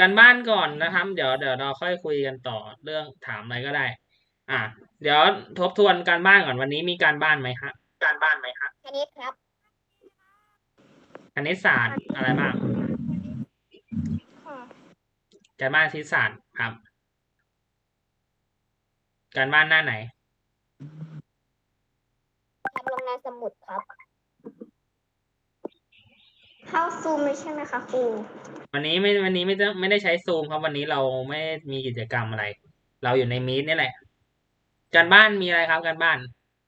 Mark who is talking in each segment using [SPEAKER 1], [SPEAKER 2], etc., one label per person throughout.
[SPEAKER 1] การบ้านก่อนนะครับเดี๋ยวเราค่อยคุยกันต่อเรื่องถามอะไรก็ได้ อ่ะเดี๋ยวทบทวนการบ้านก่อนวันนี้มีการบ้านไหมฮะ
[SPEAKER 2] คณิตครับ
[SPEAKER 1] คณิตศาสตร์อะไรบ้าง
[SPEAKER 2] ค่ะ
[SPEAKER 1] การบ้านคณิตศาสตร์ครับ การบ้านหน้าไหน
[SPEAKER 2] ทำลงในสมุดครับ เข้าซูมไม่ใช่ไหมคะครู
[SPEAKER 1] วันนี้ไม่ได้ใช้ซูมครับวันนี้เราไม่มีกิจกรรมอะไร เราอยู่ในมีตนี่แหละ การบ้านมีอะไรครับการบ้าน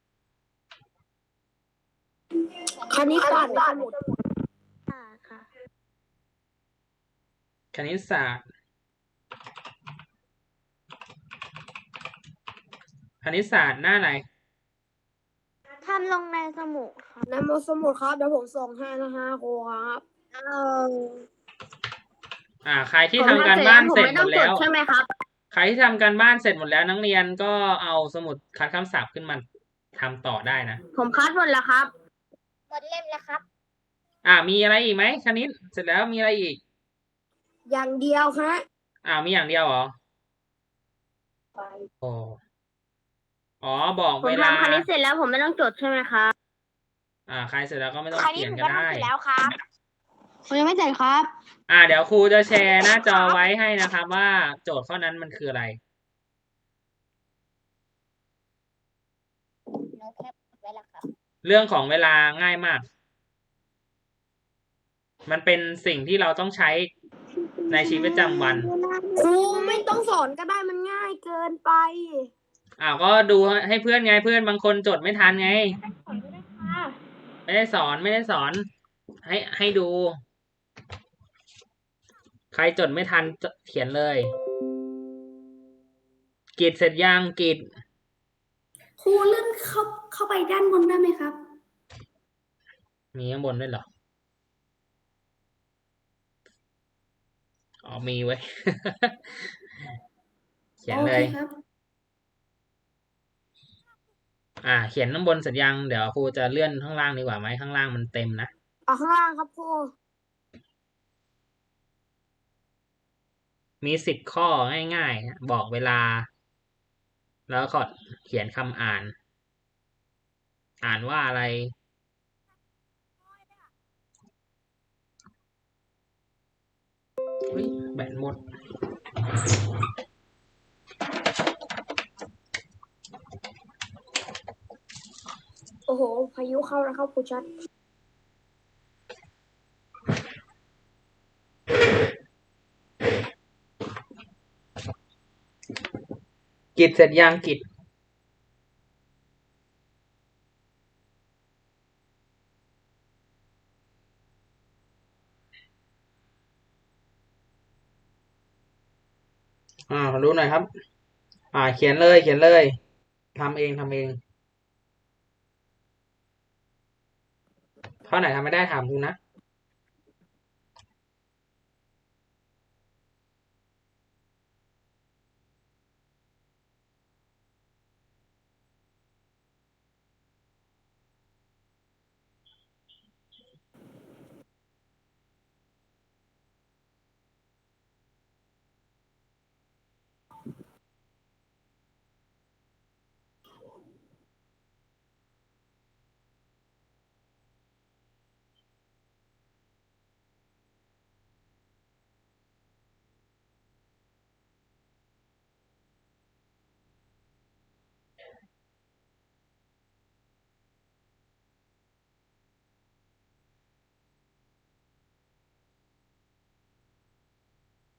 [SPEAKER 2] คณิตศาสตร์ในสมุดค่ะ
[SPEAKER 1] คณิตศาสตร์คณิตศาสตร์หน้าไหน
[SPEAKER 2] ทำลงในสมุดครับ
[SPEAKER 3] ในสมุดครับเดี๋ยวผมส่งให้นะฮะครูครับ
[SPEAKER 1] ใครที่ทำการบ้านเสร็จหมดแล้ว
[SPEAKER 2] ใช่ไหมครับ
[SPEAKER 1] ใครที่ทำการบ้านเสร็จหมดแล้วนักเรียนก็เอาสมุดคัดคำศัพท์ขึ้นมาทำต่อได้นะ
[SPEAKER 2] ผมคัดหมดแล้วครับ หมดเล่มแล้วครับ
[SPEAKER 1] มีอะไรอีกไหมคณิตเสร็จแล้วมีอะไรอีก
[SPEAKER 3] อย่างเดียวฮะ
[SPEAKER 1] มีอย่างเดียวเหรอโอ้บอก
[SPEAKER 2] ผม
[SPEAKER 1] เวลา
[SPEAKER 2] ทำคณิตเสร็จแล้วผมไม่ต้องจดใช่ไหมครับ
[SPEAKER 1] ใครเสร็จแล้วก็ไม่ต้องเขียนก็ได้
[SPEAKER 2] แล้วครับผมยังไม่เสร็จครับ
[SPEAKER 1] เดี๋ยวครูจะแชร์หน้าจอไว้ให้นะครับว่าโจทย์ข้อนั้นมันคืออะไร
[SPEAKER 2] หนูแคปไว้แล้วครับ
[SPEAKER 1] เรื่องของเวลาง่ายมาก มันเป็นสิ่งที่เราต้องใช้ในชีวิตประจำวัน
[SPEAKER 3] ครูไม่ต้องสอนก็ได้มันง่ายเกินไป
[SPEAKER 1] ก็ดูให้เพื่อนไงเพื่อนบางคนจดไม่ทันไง ไม่ได้สอนให้ดู ใครจดไม่ทันเขียนเลยกิจเสร็จยังกิจ
[SPEAKER 3] ครูเลื่อนเข้าไปด้านบนได้ไหมครับ
[SPEAKER 1] มีข้างบนด้วยเหรอมีไว้ เขียนเลย
[SPEAKER 3] ครับ
[SPEAKER 1] เขียนข้างบนเสร็จยังเดี๋ยวครูจะเลื่อนข้างล่างดีกว่าไหมข้างล่างมันเต็มนะ
[SPEAKER 3] เอาข้างล่างครับครู
[SPEAKER 1] มี10 ข้อง่ายๆบอกเวลา แล้วก็เขียนคำอ่าน อ่านว่าอะไรแบตหมด
[SPEAKER 3] โอ้โหพายุเข้าแล้วครับครูชัด
[SPEAKER 1] กิจเสร็จยังกิจขอดูหน่อยครับ เขียนเลยทำเองข้อไหนทำไม่ได้ถามครูนะ